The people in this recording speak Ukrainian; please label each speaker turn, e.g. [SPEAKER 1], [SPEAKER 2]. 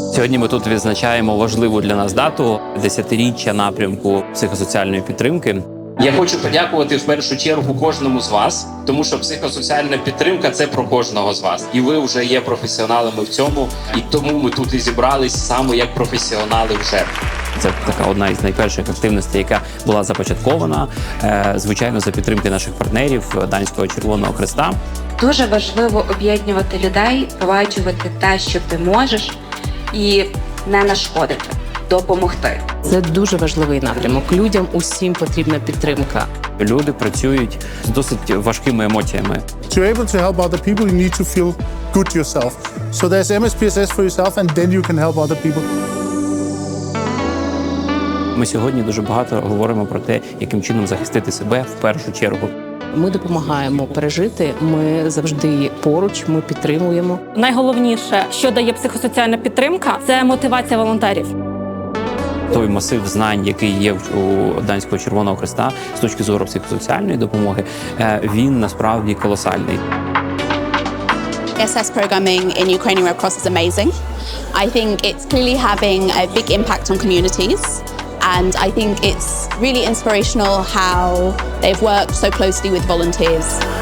[SPEAKER 1] Сьогодні ми тут відзначаємо важливу для нас дату – 10-річчя напрямку психосоціальної підтримки. Я хочу подякувати в першу чергу кожному з вас, тому що психосоціальна підтримка – це про кожного з вас. І ви вже є професіоналами в цьому, і тому ми тут і зібрались саме як професіонали в жертві. Це така одна із найперших активностей, яка була започаткована, звичайно, за підтримки наших партнерів Данського Червоного Хреста.
[SPEAKER 2] Дуже важливо об'єднувати людей, впроваджувати те, що ти можеш, і не нашкодити, допомогти.
[SPEAKER 3] Це дуже важливий напрямок. Людям усім потрібна підтримка.
[SPEAKER 1] Люди працюють з досить важкими емоціями.
[SPEAKER 4] To be able to help other people, you need to feel good yourself. So there's MSPSS for yourself, and then you can help other people.
[SPEAKER 1] Ми сьогодні дуже багато говоримо про те, яким чином захистити себе в першу чергу.
[SPEAKER 3] Ми допомагаємо пережити, ми завжди поруч, ми підтримуємо.
[SPEAKER 5] Найголовніше, що дає психосоціальна підтримка, це мотивація волонтерів.
[SPEAKER 1] Той масив знань, який є у Данського Червоного Хреста з точки зору психосоціальної допомоги, він насправді колосальний.
[SPEAKER 6] SS programming in Ukrainian Red Cross is amazing. I think it's clearly having a big impact on communities, and I think it's really inspirational how they've worked so closely with volunteers.